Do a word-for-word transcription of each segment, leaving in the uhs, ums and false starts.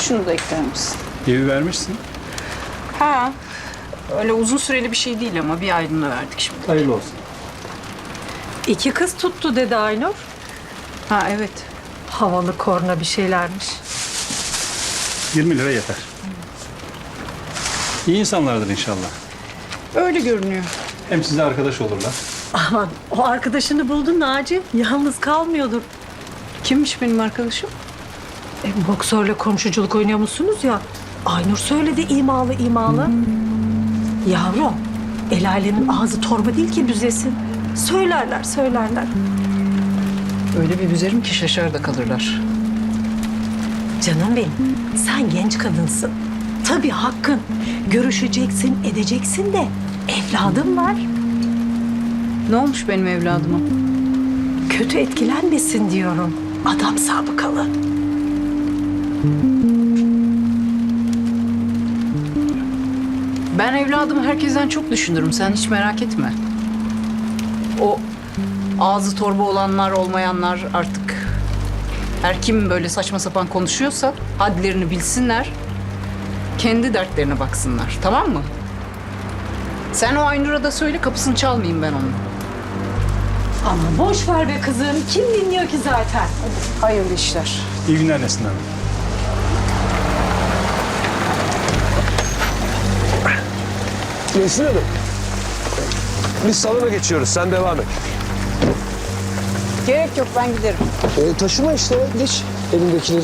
Şunu da ekler misin? Evi vermişsin. Ha, öyle uzun süreli bir şey değil ama bir aylığına verdik şimdi. Hayırlı olsun. İki kız tuttu dedi Aynur. Ha evet. Havalı korna bir şeylermiş. yirmi lira yeter. İyi insanlardır inşallah. Öyle görünüyor. Hem size arkadaş olurlar. Aman o arkadaşını buldun Naci. Yalnız kalmıyordur. Kimmiş benim arkadaşım? E, boksörle komşuculuk oynuyor musunuz ya? Aynur söyledi imalı imalı. Yavrum, el alemin ağzı torba değil ki büzesin. Söylerler, söylerler. Öyle bir üzerim ki şaşar da kalırlar. Canım benim, sen genç kadınsın. Tabii hakkın. Görüşeceksin, edeceksin de evladım var. Ne olmuş benim evladıma? Kötü etkilenmesin diyorum. Adam sabıkalı. Ben evladımı herkesten çok düşünürüm. Sen hiç merak etme. O ağzı torba olanlar, olmayanlar artık her kim böyle saçma sapan konuşuyorsa hadlerini bilsinler. Kendi dertlerine baksınlar. Tamam mı? Sen o Aynur'a da söyle, kapısını çalmayayım ben onun. Ama boş ver be kızım. Kim dinliyor ki zaten? Hayırlı işler. İyi günler Nesin Hanım. Nesin Hanım. Biz salona geçiyoruz. Sen devam et. Gerek yok, ben giderim. E, taşıma işte. Geç elindekileri.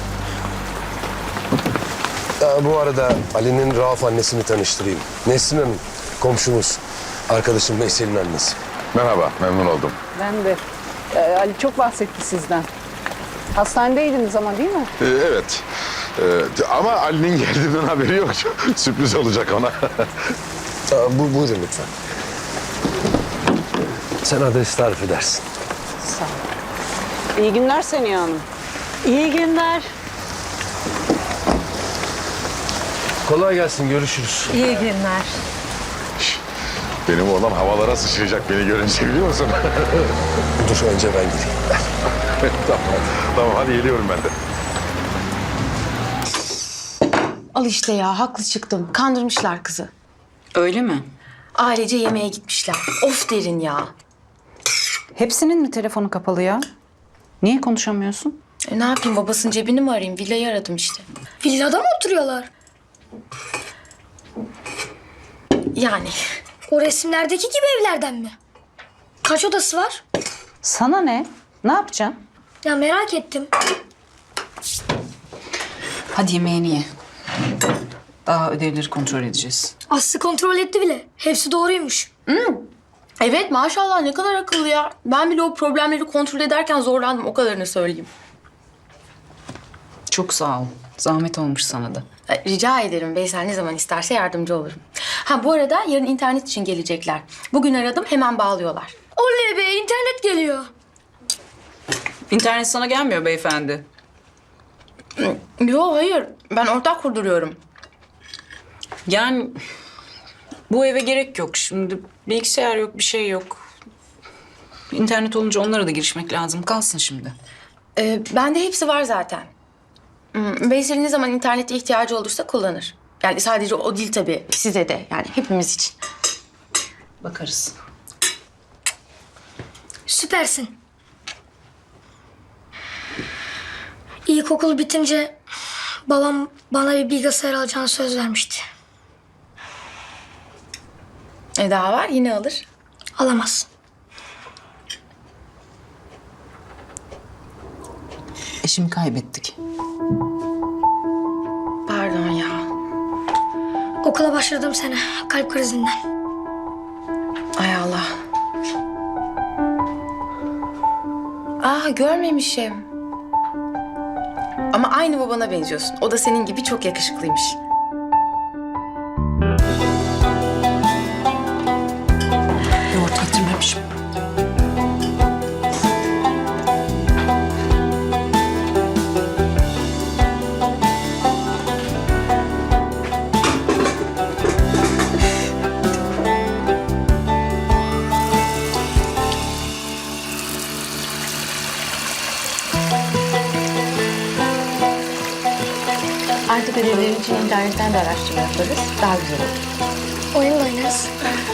Ya, bu arada Ali'nin Rauf annesini tanıştırayım. Nesrin Hanım, komşumuz. Arkadaşım Veysel'in annesi. Merhaba, memnun oldum. Ben de. Ee, Ali çok bahsetti sizden. Hastanedeydiniz ama değil mi? Ee, evet, Ee, ama Ali'nin geldiğinden haberi yok. Sürpriz olacak ona. Aa, bu, buyurun lütfen. Sen adresi tarif edersin. Sağ ol. İyi günler Seniha Hanım. İyi günler. Kolay gelsin, görüşürüz. İyi günler. Benim oğlan havalara sıçrayacak beni görünce, biliyor musun? Dur, önce ben gideyim. tamam, tamam, hadi geliyorum ben de. Al işte ya, haklı çıktım. Kandırmışlar kızı. Öyle mi? Ailece yemeğe gitmişler. Of derin ya. Hepsinin mi telefonu kapalı ya? Niye konuşamıyorsun? E, ne yapayım, babasının cebini mi arayayım? Villayı aradım işte. Villada mı oturuyorlar? Yani. O resimlerdeki gibi evlerden mi? Kaç odası var? Sana ne? Ne yapacaksın? Ya merak ettim. Hadi yemeğini ye. Daha ödevleri kontrol edeceğiz. Aslı kontrol etti bile. Hepsi doğruymuş. Evet, maşallah ne kadar akıllı ya. Ben bile o problemleri kontrol ederken zorlandım, o kadarını söyleyeyim. Çok sağ ol. Zahmet olmuş sana da. E, Rica ederim, Veysel ne zaman isterse yardımcı olurum. Ha bu arada yarın internet için gelecekler. Bugün aradım, hemen bağlıyorlar. Oley be, internet geliyor. İnternet sana gelmiyor beyefendi. Yo hayır, ben ortak kurduruyorum. Yani bu eve gerek yok. Şimdi bilgisayar yok, bir şey yok. İnternet olunca onlara da girişmek lazım. Kalsın şimdi. Ee, bende hepsi var zaten. Hmm, Veysel'in ne zaman internete ihtiyacı olursa kullanır. Yani sadece o değil tabii, size de yani hepimiz için. Bakarız. Süpersin. İlkokul bitince babam bana bir bilgisayar alacağını söz vermişti. E daha var, yine alır. Alamaz. Eşimi kaybettik. Pardon ya. Okula başladığım sene kalp krizinden. Ay Allah. Aa görmemişim. Ama aynı babana benziyorsun. O da senin gibi çok yakışıklıymış. Yoğurt getirmemişim. Artık ödevlerin için internetten de araştırma yaparız. Daha güzel olur. Oyun da oynarız.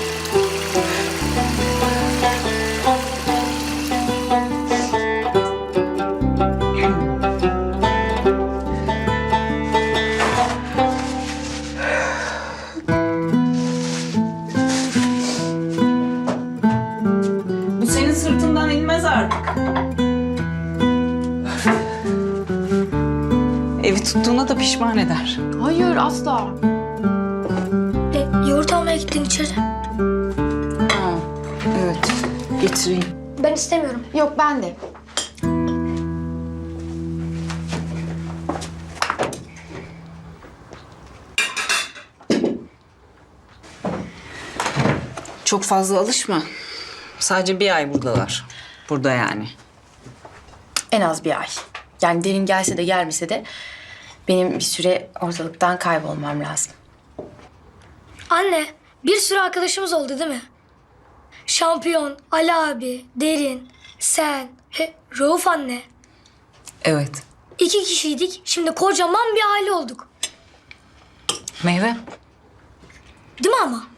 Bu senin sırtından inmez artık. Evi tuttuğuna da pişman eder. Hayır, asla. E, yoğurt almaya gittin içeri. Ha, evet. Getireyim. Ben istemiyorum. Yok, ben de. Çok fazla alışma. Sadece bir ay buradalar. Burada yani. En az bir ay. Yani derin gelse de gelmese de benim bir süre ortalıktan kaybolmam lazım. Anne, bir sürü arkadaşımız oldu değil mi? Şampiyon, Ali abi, Derin, sen, he, Rauf anne. Evet. İki kişiydik, şimdi kocaman bir aile olduk. Meyve. Değil mi ama?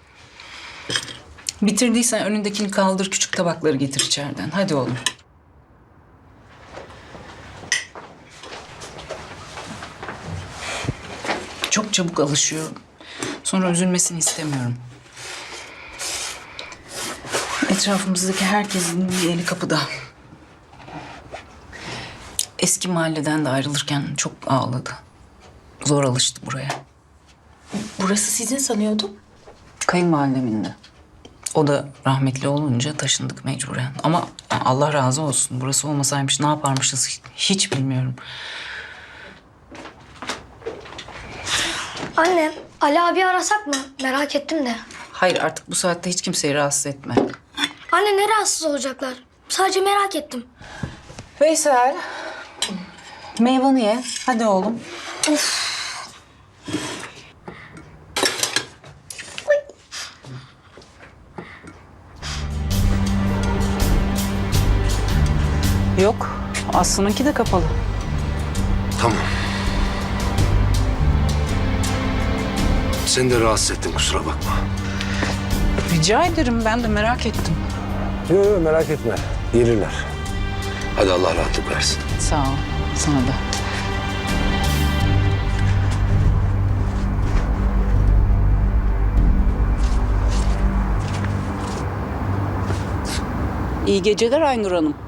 Bitirdiysen önündekini kaldır, küçük tabakları getir içeriden. Hadi oğlum. Çok çabuk alışıyor. Sonra üzülmesini istemiyorum. Etrafımızdaki herkesin bir eli kapıda. Eski mahalleden de ayrılırken çok ağladı. Zor alıştı buraya. Burası sizin sanıyordum. Kayınvalidemindi. O da rahmetli olunca taşındık mecburen. Ama Allah razı olsun. Burası olmasaymış ne yaparmışız hiç bilmiyorum. Anne, Ali abi arasak mı? Merak ettim de. Hayır artık bu saatte hiç kimseyi rahatsız etme. Anne ne rahatsız olacaklar? Sadece merak ettim. Veysel. Meyvanı ye. Hadi oğlum. Yok. Aslı'nınki de kapalı. Tamam. Seni de rahatsız ettim, kusura bakma. Rica ederim. Ben de merak ettim. Yok yok, merak etme. Gelirler. Hadi Allah rahatlık versin. Sağ ol. Sana da. İyi geceler Aynur Hanım.